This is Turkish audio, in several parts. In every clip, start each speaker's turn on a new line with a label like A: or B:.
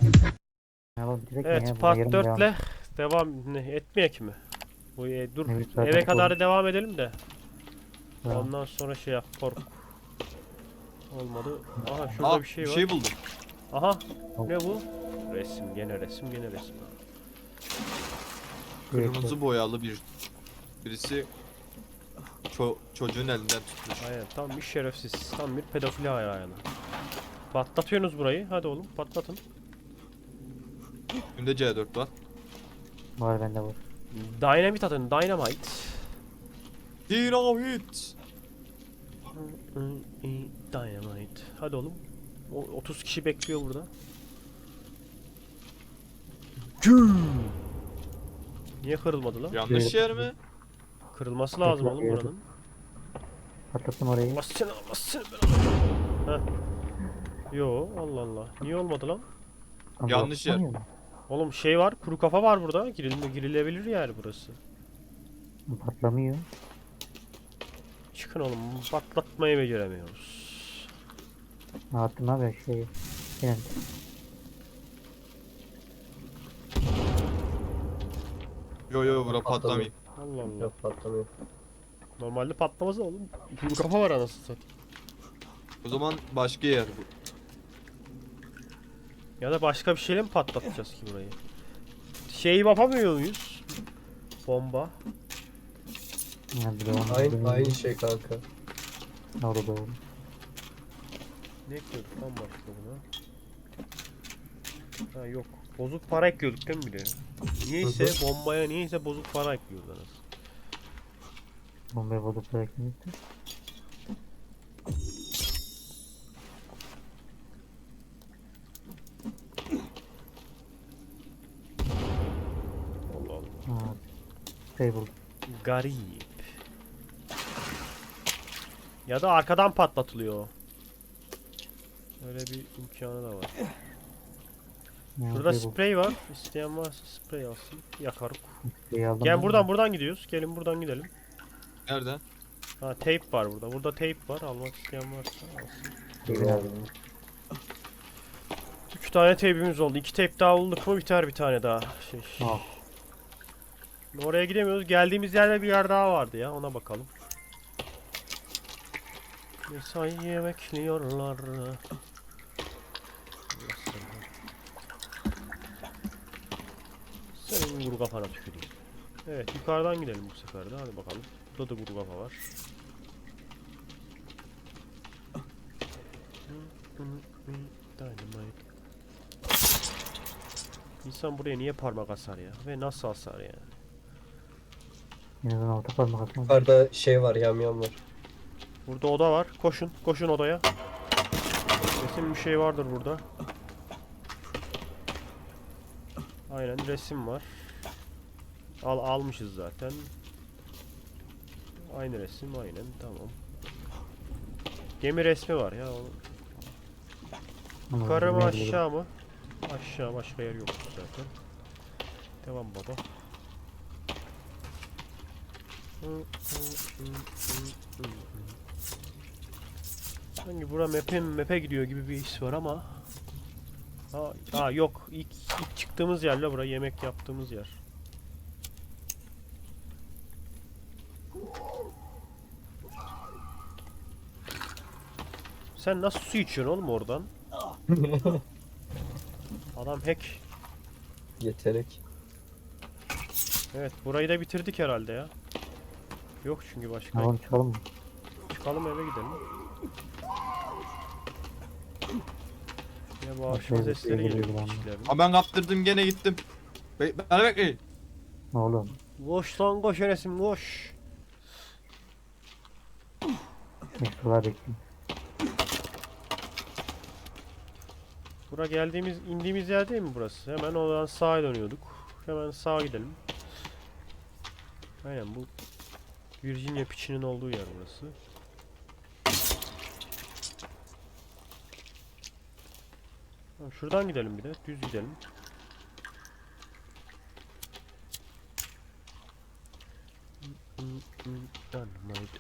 A: Ya oğlum direkt
B: Evet,
A: ya buna
B: part
A: yarım
B: 4
A: devam.
B: ile devam etmeyek mi? Dur,
A: Ne bileyim, zaten
B: eve kadar
A: kork-
B: devam edelim de.
A: Tamam.
B: Ondan sonra şey yap, kork. Olmadı. Aha şurada
C: Aa,
B: bir şey
C: bir
B: var.
C: şey buldum.
B: Aha, ne bu? Resim, gene resim, gene resim.
C: Kırmızı boyalı birisi çocuğun elinden tutmuş.
B: Aynen, tam bir şerefsiz, tam bir pedofili ayağına. Patlatıyorsunuz burayı, hadi oğlum patlatın.
C: Üstünde C4 var.
A: Var bende var.
B: Dynamit atın, dynamite.
C: Dinamit.
B: Dynamite. Hadi oğlum. 30 kişi bekliyor burada. Niye kırılmadı lan?
C: Yanlış yer mi?
B: Kırılması lazım oğlum
A: Patlatıyor.
B: buranın.
A: Patlattım orayı.
B: Allah seni, Allah seni. Heh. Yo, Allah Allah. Niye olmadı lan?
A: Lan
C: Yanlış yer.
A: patlamıyor mu?
B: Oğlum şey var, kuru kafa var burada. Girilebilir yani burası.
A: Patlamıyor.
B: Çıkın oğlum, patlatmayı beceremiyoruz.
A: Ne yaptım abi şey. Yani
C: Yo bura patlamayayım.
B: Allah Allah.
D: Yok patlamıyor.
B: Normalde patlamaz oğlum. Kuru kafa var anasını satayım.
C: O zaman başka yer bu.
B: Ya da başka bir şeyle mi patlatacağız ki burayı? Şeyi yapamıyor muyuz? Bomba.
A: yani bir de onu
D: Aynı şey kanka.
A: orada doğru.
B: Ne ekliyorduk lan başka buna? Ha yok. Bozuk para ekliyorduk değil mi bir de? Niyeyse bombaya niyeyse bozuk para ekliyoruz anasını.
A: Bombaya bozuk bırakmıştı.
B: Allah Allah.
A: Ha. Şey buldum.
B: Garip. Ya da arkadan patlatılıyor o. Öyle bir imkanı da var.
A: Ya,
B: Şurada
A: şey buldum.
B: sprey var. İsteyen varsa sprey alsın. Yakarım.
A: Şeyi aldım
B: Gel
A: ben de.
B: buradan gidiyoruz. Gelin buradan gidelim.
C: Nerede?
B: Ha tape var burada. Burada tape var. Almak isteyen varsa alsın.
A: Şeyi
D: Dur
A: aldım.
B: 3 tane tape'imiz oldu. 2 tape daha bulduk mu biter bir tane daha.
A: Al.
B: Oraya gidemiyoruz. Geldiğimiz yerde bir yer daha vardı ya. Ona bakalım. Mesaiye bekliyorlar. Senin vuru kafana tüküreyim. Evet yukarıdan gidelim bu sefer de. Hadi bakalım. Burada da vuru kafa var. Dynamite. İnsan buraya niye parmak asar ya? Ve nasıl asar yani?
A: En azından orta parmak atmam.
D: Yukarıda şey var, yamyam var.
B: Burada oda var. Koşun. Koşun odaya. Kesin bir şey vardır burada. Aynen resim var. Almışız zaten. Aynı resim aynen tamam. Gemi resmi var ya.
A: Ama
B: Yukarı mı
A: ne
B: aşağı mı? Aşağı, başka yer yok zaten. Devam baba. Sanki bura map'e gidiyor gibi bir his var ama. Yok. İlk çıktığımız yerle bura yemek yaptığımız yer. Sen nasıl su içiyorsun oğlum oradan? Adam hack.
D: Yetenek.
B: Evet burayı da bitirdik herhalde ya. Yok çünkü başka.
A: Tamam çıkalım mı?
B: Çıkalım eve gidelim. Ya bu
A: Bak,
B: akşam
A: şöyle
B: sesleri
A: bir şey
B: geliyor
A: geliyor
B: kişilerin.
C: Ha ben kaptırdım gene gittim. Beni bekleyin.
A: Ne oğlum?
B: Koş lan koş Enes'im koş.
A: Meşrular bekliyorum.
B: Bura indiğimiz yer değil mi burası? Hemen oradan sağa dönüyorduk. Hemen sağa gidelim. Aynen bu Virginia piçinin olduğu yer burası. Tamam, şuradan gidelim bir de. Düz gidelim. Dynamite.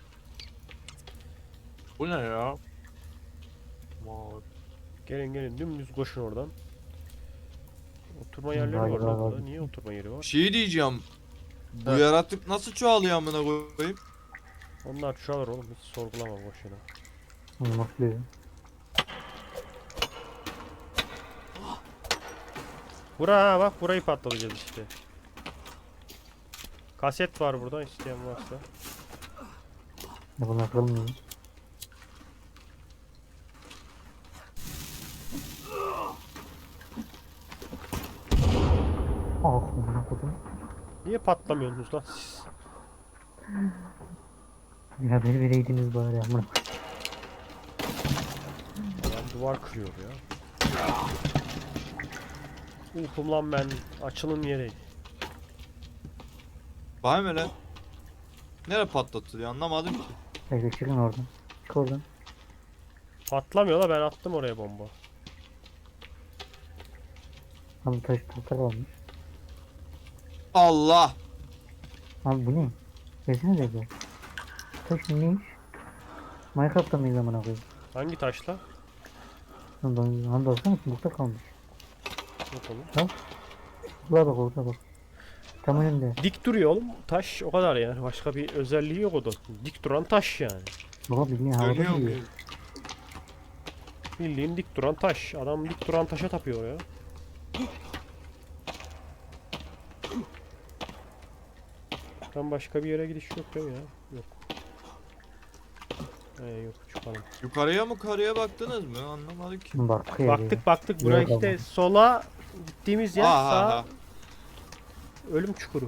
C: Bu ne ya? Vay.
B: Gelin dümdüz koşun oradan. Oturma yerleri var
A: Galiba
B: lan
A: var.
B: burada. Niye oturma yeri
C: Bir
B: var?
C: şey diyeceğim. Bu
B: Ha.
C: yaratık nasıl çoğalıyor amına koyayım?
B: Onlar çoğalır oğlum. Hiç sorgulama boşuna.
A: Mutluyum.
B: Bura bak burayı patlatacağız işte. Kaset var burada isteyen varsa.
A: Ya bunu yapalım mı? Ah amına koydum.
B: Niye patlamıyorsunuz lan siz?
A: Ya beni vereydiniz bari amına.
B: Adam duvar kırıyor ya. Uykum lan ben. Açılın yeri.
C: Vay mı lan? Nereye patlatılıyor anlamadım ki.
A: Hadi çıkın oradan. Çık oradan.
B: Patlamıyor la ben attım oraya bomba.
A: Abi taş tahta kalmış.
C: Allah!
A: Abi bu ne? Versene de bu. Taş neymiş? Minecraft'ta mıyız amına koyayım?
B: Hangi taşla?
A: Lan baksana burada kalmış.
B: Yok oğlum.
A: Buraya bak orada bak. Tam önünde.
B: Dik duruyor oğlum. Taş o kadar yani. Başka bir özelliği yok o da. Dik duran taş yani.
A: Baba bildiğin havada
C: Dönüyor
A: duruyor.
C: mu?
B: Bildiğin dik duran taş. Adam dik duran taşa tapıyor ya. Tam başka bir yere gidiş yok değil mi ya? Yok. Yok çıkalım.
C: Yukarıya mı karıya baktınız mı? Anlamadım ki.
A: Bak ya.
B: Baktık buraya
A: Yok
B: işte
A: ama.
B: sola gittiğimiz yer
C: Aha,
B: sağ
C: aha.
B: ölüm çukuru.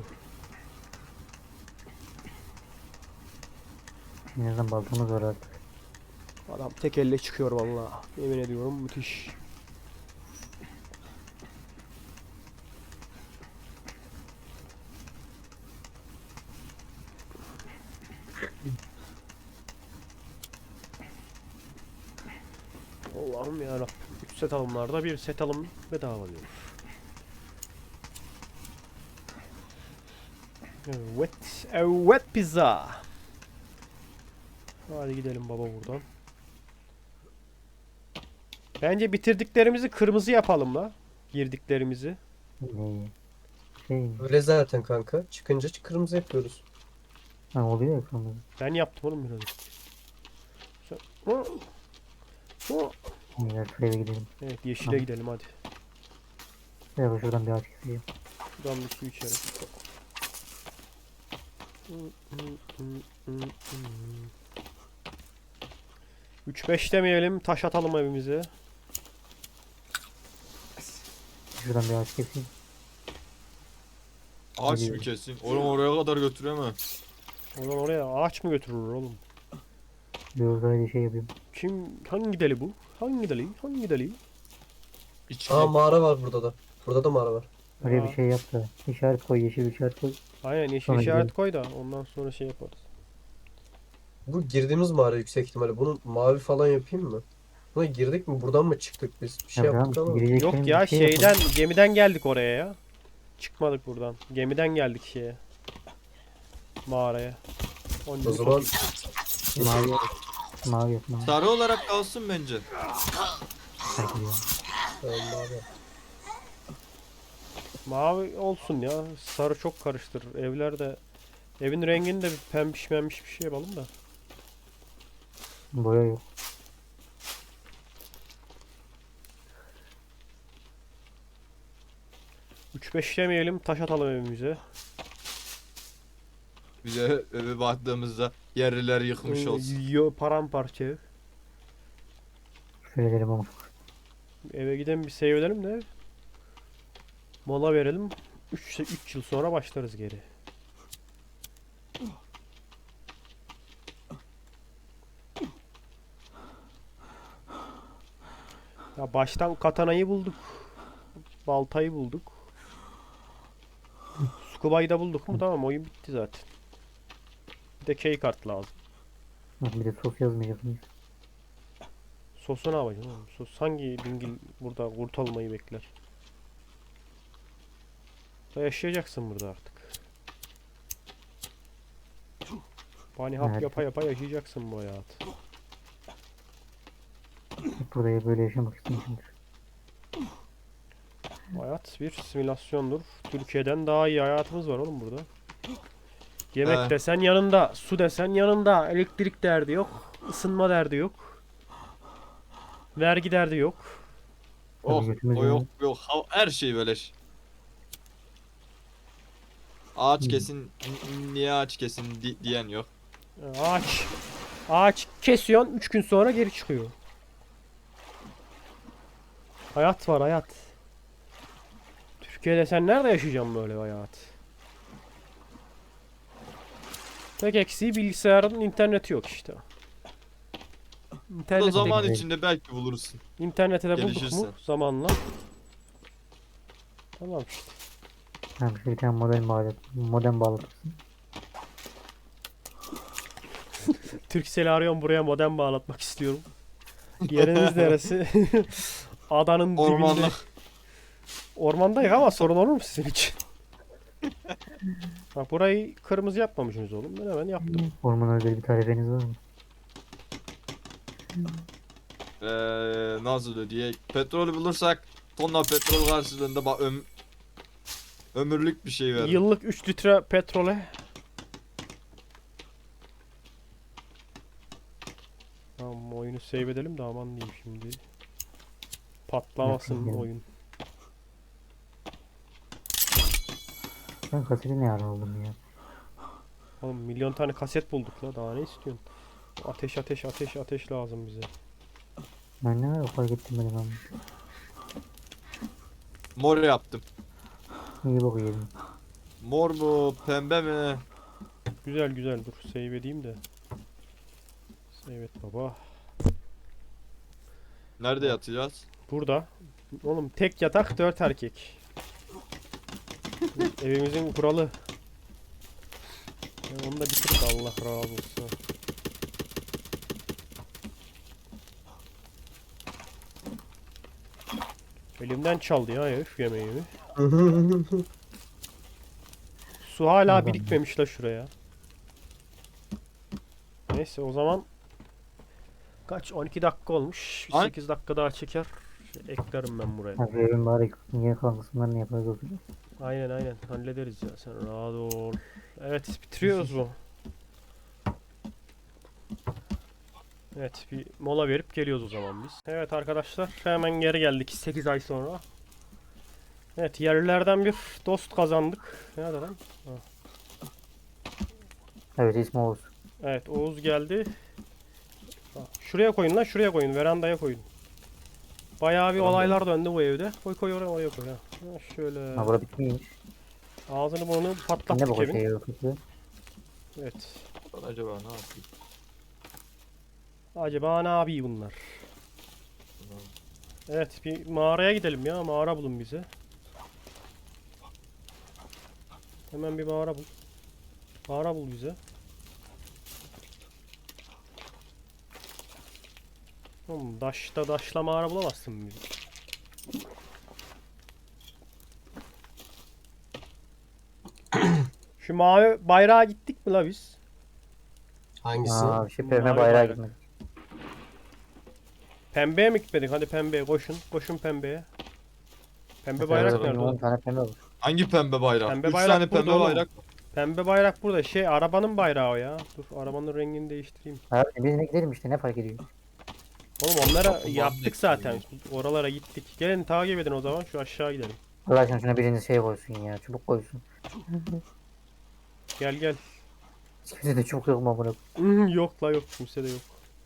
A: En azından baltamız var artık.
B: Adam tek elle çıkıyor vallahi. Yemin ediyorum müthiş. Allah'ım yarabbim. 3 set alımlarda bir set alım bedava diyor. Evet. Evet pizza. Hadi gidelim baba buradan. Bence bitirdiklerimizi kırmızı yapalım la. Girdiklerimizi.
A: Ne? Şey.
D: Öyle zaten kanka. Çıkınca kırmızı yapıyoruz.
A: Ha oluyor ya sonra.
B: Ben yaptım oğlum biraz.
A: Gel şuraya bir gidelim.
B: Evet yeşile
A: Tamam.
B: gidelim hadi.
A: Ya bak şuradan bir ağaç keseyim.
B: Buradan bir su içelim. Üç beş demeyelim, taş atalım evimize.
A: Şuradan bir ağaç keseyim.
C: Ağaç
A: Hadi.
C: mı kesin? Oğlum oraya kadar götüremem.
B: Oradan oraya ağaç mı götürür oğlum?
A: Bir uzaylı şey yapayım.
B: Kim, hangi deli bu? Hangi deli? Hangi deli?
C: İçki.
D: Aa mağara var burada da. Burada da mağara var.
A: Oraya
B: Aa.
A: bir şey yap da. İşaret koy, yeşil bir işaret koy.
B: Aynen yeşil
A: Sonra
B: işaret
A: gidelim.
B: koy da ondan sonra şey yaparız.
D: Bu girdiğimiz mağara yüksek ihtimalle. Bunu mavi falan yapayım mı? Buna girdik mi? Buradan mı çıktık biz? Bir şey
A: Ya
D: yaptık
A: tamam,
D: ama.
A: gireceklerin
B: Yok
A: bir
B: ya
A: şey yapalım.
B: şeyden gemiden geldik oraya ya. Çıkmadık buradan. Gemiden geldik şeye. Mağaraya. Onca
D: O zaman
A: Mavi yap. Mavi yap mavi.
C: Sarı olarak kalsın bence.
A: Hadi ya.
D: tamam, mavi.
B: mavi olsun ya. Sarı çok karıştırır. Evlerde evin rengini de bir pembiş membiş bir şey yapalım da.
A: Boya yok.
B: Üç beş demeyelim, taş atalım evimize.
C: Bir de eve baktığımızda yerliler yıkmış olsun.
B: Paramparça ev.
A: Şöyle derim ama.
B: Eve gidelim bir save edelim de. Mola verelim. 3 yıl sonra başlarız geri. Ya baştan katanayı bulduk. Baltayı bulduk. Scuba'yı da bulduk mu tamam oyun bitti zaten. Bir de key kart lazım.
A: Bak bir de sos yazmayacak mıyız?
B: Sosu ne yapacaksın oğlum? Sos hangi dingil burada kurtulmayı bekler? Da yaşayacaksın burada artık. Bani hap
A: Evet.
B: yapa yapa yaşayacaksın bu hayatı.
A: Hep burada böyle yaşamak istemişimdir.
B: Hayat bir simülasyondur. Türkiye'den daha iyi hayatımız var oğlum burada. Yemek
C: Evet.
B: desen yanında, su desen yanında, elektrik derdi yok, ısınma derdi yok, vergi derdi yok.
C: Oh,
A: götümüz
C: o yok
A: yanıyor.
C: yok. Her şey beleş. Ağaç
A: Hmm.
C: kesin, niye ağaç kesin diyen yok.
B: Ağaç kesiyorsun 3 gün sonra geri çıkıyor. Hayat var hayat. Türkiye'de sen nerede yaşayacaksın böyle bir hayat? Tek eksiği bilgisayarın interneti yok işte.
C: Bu da
B: İnternette,
C: zaman
A: değil.
C: içinde belki bulursun.
B: internete de bulduk
C: gelişirse.
B: mu zamanla. Tamam işte.
A: Ha, bir tane modem bağlatırsın.
B: Turkcell'i arıyorum, buraya modem bağlatmak istiyorum. Yeriniz neresi? Adanın dibinde.
C: Ormanlık.
B: Ormandayız ama sorun olur mu sizin için? Bak burayı kırmızı yapmamışsınız oğlum. Ben hemen yaptım.
A: Orman özel bir tarifeniz var mı?
C: Nasıl diye petrol bulursak tonla petrol karşılığında ömürlük bir şey verir.
B: Yıllık 3 litre petrole. Tamam, oyunu save edelim de aman diyeyim şimdi. Patlamasın
A: Yapayım.
B: oyun.
A: Ben kaseti ne ara aldım ya?
B: Oğlum milyon tane kaset bulduk la, daha ne istiyorsun? Ateş ateş ateş ateş lazım bize.
A: Ben ne ara fark ettim benim ama.
C: Mor yaptım.
A: İyi bak yedim.
C: Mor mu, pembe mi?
B: Güzel güzel, dur save edeyim de. Save et baba.
C: Nerede yatacağız?
B: Burada. Oğlum tek yatak 4 erkek. Evimizin kuralı. Ya onu da bitirdik, Allah razı olsun. Elimden çaldı ya herif yemeğimi. Su hala
A: Adam.
B: birikmemiş la şuraya. Neyse o zaman kaç, 12 dakika olmuş.
C: Ay.
B: 8 dakika daha çeker. Eklerim ben buraya.
A: Ha, şu evin bari yeni kalan kısımlarını yaparız oturacağız.
B: Aynen aynen hallederiz ya, sen rahat ol. Evet, bitiriyoruz bu. Evet, bir mola verip geliyoruz o zaman biz. Evet arkadaşlar, hemen geri geldik 8 ay sonra. Evet, yerlilerden bir dost kazandık. Nerede lan?
A: Evet ismi Oğuz.
B: Evet, Oğuz geldi. Şuraya koyun lan, şuraya koyun, verandaya koyun. Bayağı bir olaylar döndü bu evde. Koy koy oraya, oraya koy ha. Ha, şöyle.
A: Ha bura bitmiş.
B: Ağzını burnunu
A: Ne
B: patlattık
A: bu
B: evin.
A: şey yapıyor?
B: Evet.
C: Acaba ne yapayım?
B: Acaba ne yapıyor bunlar? Evet, bir mağaraya gidelim ya. Mağara bulun bize. Hemen bir mağara bul. Mağara bul bize. Oğlum daşla mağara bulamazsın bizi. Şu mavi bayrağa gittik mi la biz?
D: Hangisi?
A: Aa şey pembe
B: Mavi
A: bayrağı
B: bayrak.
A: gitmedi.
B: Pembeye mi gitmedik? Hadi pembeye koşun. Koşun pembeye. Pembe
A: Mesela
B: bayrak
C: evet,
B: nerede
A: benim 10
B: oğlum?
A: tane pembe var.
C: Hangi pembe bayrak?
B: Pembe
C: 3
B: bayrak
C: tane
B: burada
C: pembe
B: oğlum.
C: bayrak.
B: Pembe bayrak burada. Şey, arabanın bayrağı o ya. Dur, arabanın rengini değiştireyim.
A: Abi biz de gidelim işte ne fark ediyor?
B: Oğlum onlara
C: Kapıdan
B: yaptık
C: bekliyorum.
B: zaten. Oralara gittik. Gelin takip edin o zaman. Şu aşağı gidelim.
A: Allah aşkına şuna biriniz şey koysun ya. Çubuk koysun.
B: Gel gel.
A: Hiç kimse de çubuk yok mu bunu?
B: Yok la, yok. Kimse de yok.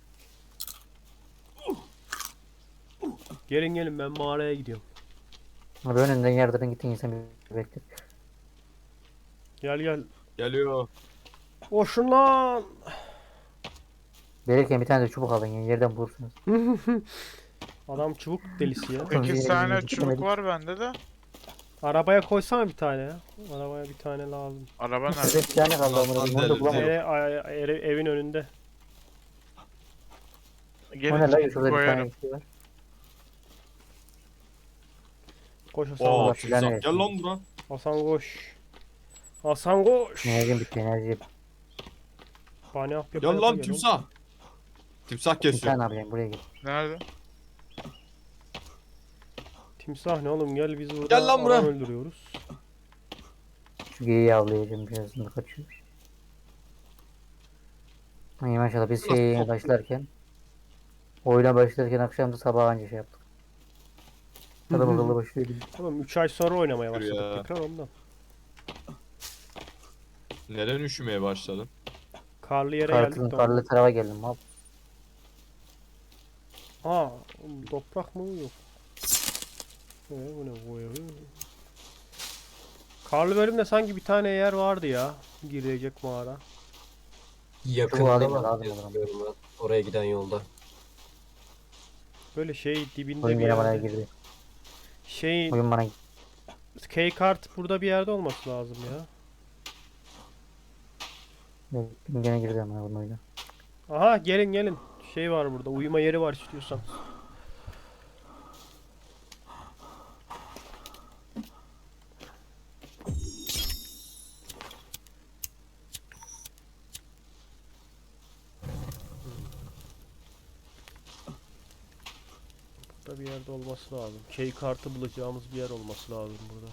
B: Gelin gelin, ben mağaraya gidiyorum.
A: Abi önünden yerden gittin insan bir bekler.
B: Gel gel.
C: Geliyor.
B: Koşun lan.
A: Gelirken bir tane de çubuk alın ya yerden bulursunuz.
B: Adam çubuk delisi ya.
E: 8 tane
A: Yemedik.
E: çubuk var bende de.
B: Arabaya koysana bir tane ya. Arabaya bir tane lazım.
E: Araba
A: Bize
E: nerede?
A: bir tane kaldı amına koyayım, onu da
C: Sandalye.
A: bulamadım.
B: Evin önünde.
A: O ne
E: Gelin
A: lan
E: çubuk
A: şurada bir tane
E: koyarım.
A: şey var.
B: Koş Hasan
C: Oo,
B: koş.
A: filan
C: timsah.
A: evet.
C: Gel lan bura.
B: Hasan koş. Hasan koş.
A: Enerjim bitti enerji.
B: Bana yap yap
C: Gel
B: yap,
C: lan
B: gel
C: timsah. Timsah
A: Bir
C: kesiyor.
A: tane yapacağım buraya gel.
E: Nerede?
B: Timsah ne oğlum, gel biz burada
C: Gel lan buraya.
B: adam öldürüyoruz.
A: Şu geyiği avlayacağım birazdan da kaçıyor. İyi maşallah biz şeye başlarken oyuna başlarken akşam da sabah anca şey yaptık. Adam akıllı başlıyor gibi.
B: Oğlum 3 ay sonra oynamaya
C: Şükür
B: başladık
C: ya.
B: tekrar ondan.
C: Neden üşümeye başladın?
B: Karlı yere geldik de ondan.
A: Karlı tarafa geldim abi.
B: Aa, oğlum toprak mı yok? Bu ne bu ya? Karlı bölümde sanki bir tane yer vardı ya. Girecek mağara.
D: Yakında
A: alayım
D: var
A: da lazım
D: diye
A: o zaman.
D: hatırlıyorum ben. Oraya giden yolda.
B: Böyle şey dibinde
A: Oyun
B: bir
A: yine bana
B: yerde.
A: girdi.
B: Şey
A: Oyun bana
B: K-kart burada bir yerde olması lazım ya.
A: gene girdi ama bunun oyuna.
B: Aha, gelin gelin. Şey var burada. Uyuma yeri var istiyorsan. Burada bir yerde olması lazım. Key kartı bulacağımız bir yer olması lazım burada.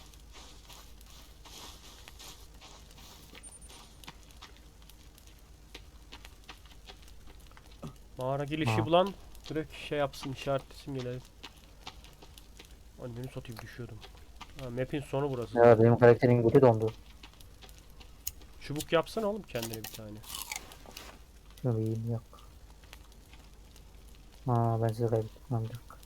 B: Mağara girişi
A: Ha.
B: bulan direkt şey yapsın, işaretlesin gelelim. Anneni satayım, düşüyordum. Ha, map'in sonu burası.
A: Ya benim karakterin götü dondu.
B: Çubuk yapsana oğlum kendine bir tane.
A: Şöyle iyiyim yok. Aa ben sizi kaybettim. Lan bir dakika.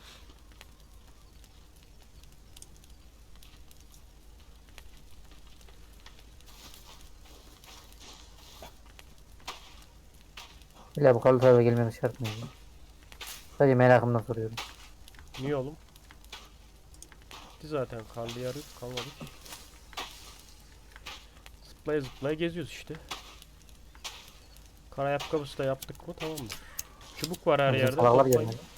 A: İlla bu karlı tarafa gelmemiz şart mı? Ya? Sadece merakımdan soruyorum.
B: Niye oğlum? Gitti zaten, karlı yarı kalmadı ki. Zıplaya zıplaya geziyoruz işte. Kara ayakkabısı da yaptık mı tamamdır. Çubuk var her
A: Bizim
B: yerde.
A: salaklar
B: Toplayın.
A: gelmedi.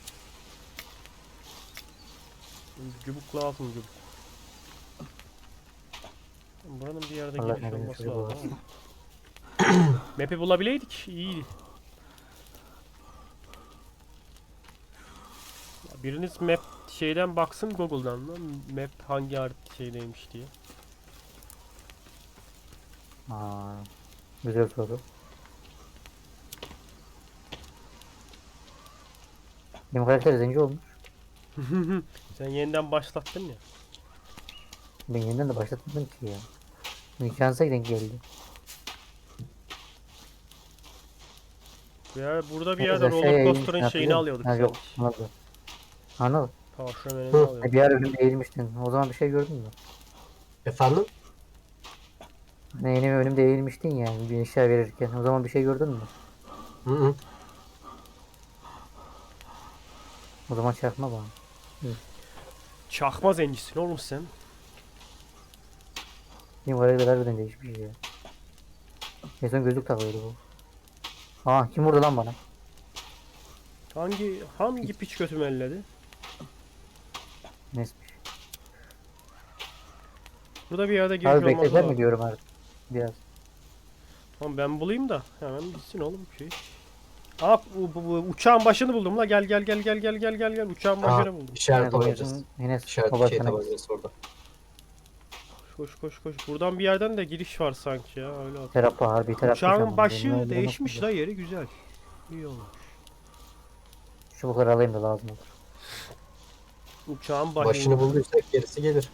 B: Çubuk lazım, çubuk. Buranın bir yerde
A: Allah
B: giriş
A: ne
B: olması
A: bileyim,
B: lazım
A: çocuk
B: ama. Map'i bulabileydik iyiydi. Ya biriniz map şeyden baksın Google'dan lan. Map hangi şeydeymiş diye.
A: Aa, güzel soru. Benim karakter zenci olmuş.
B: Sen yeniden başlattın ya.
A: Ben yeniden de başlatmadım ki ya. İmkansız denk geldi.
B: Ya burada bir
A: Evet,
B: yerde
A: aşağıya
B: roller
A: eğilmiş,
B: coaster'ın şeyini
A: hatırlıyor musun?
B: alıyorduk
A: Ha, yok,
B: sanki.
A: anladım. Anladım.
B: Tavşanlarını
D: Hı.
B: alıyorduk.
A: Bir ara önümde eğilmiştin. O zaman bir şey gördün mü?
D: Efendim?
A: Hani yeni önümde eğilmiştin ya bir eşya verirken. O zaman bir şey gördün mü?
D: Hı hı.
A: O zaman çakma bana.
B: Çakma zencisin oğlum sen.
A: Benim karakter harbiden değişmiş ya. En son gözlük takıyordu bu. Aa kim vurdu lan bana?
B: Hangi piç götümü elledi?
A: Nesmiş.
B: Burada bir yerde giriş
A: Abi
B: olması
A: bekleter mi
B: lazım.
A: diyorum artık. Biraz.
B: Tamam ben bulayım da hemen bitsin oğlum şey. Aa bu uçağın başını buldum la, gel gel gel gel gel gel gel gel uçağın
D: Aa,
B: başını buldum.
D: işaret
A: Yine
D: tabancası.
A: koyuyorsun, yine
D: İşaret
A: o
D: şey
A: başına.
D: tabancası orada.
B: Koş koş koş. Buradan bir yerden de giriş var sanki ya, öyle hatırlıyorum.
A: Terapi harbi terapi.
B: Uçağın başı değişmiş la, yeri güzel. İyi olmuş.
A: Çubukları alayım da lazım olur.
B: Uçağın başı.
D: Başını bulduysak gerisi gelir.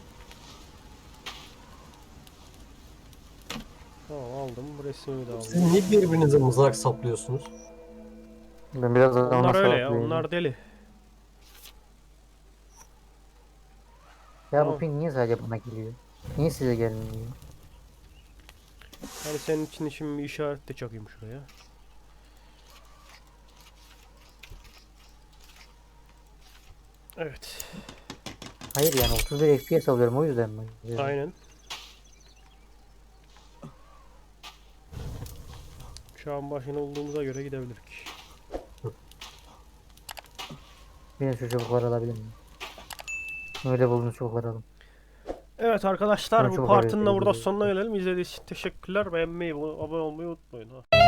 B: Tamam aldım, resmimi de aldım.
D: Siz niye birbirinize mızrak saplıyorsunuz?
A: Ben biraz daha
B: Onlar
A: ona
B: öyle ya,
A: sağlıklı
B: onlar deli.
A: Ya
B: Tamam.
A: bu ping niye sadece bana geliyor? Niye size gelmiyor?
B: Hani senin için şimdi bir işaret de çakayım şuraya. Evet.
A: Hayır yani 31 FPS alıyorum o yüzden mi?
B: Aynen. Uçağın başına olduğumuza göre gidebiliriz.
A: Benim şu çubukları alabilir miyim? Öyle bulduğunuz çubukları alın.
B: Evet arkadaşlar,
A: Ben
B: bu
A: çok
B: partının da
A: araya
B: burada
A: girdim.
B: sonuna gelelim. İzlediğiniz için teşekkürler. Beğenmeyi, abone olmayı unutmayın. Ha.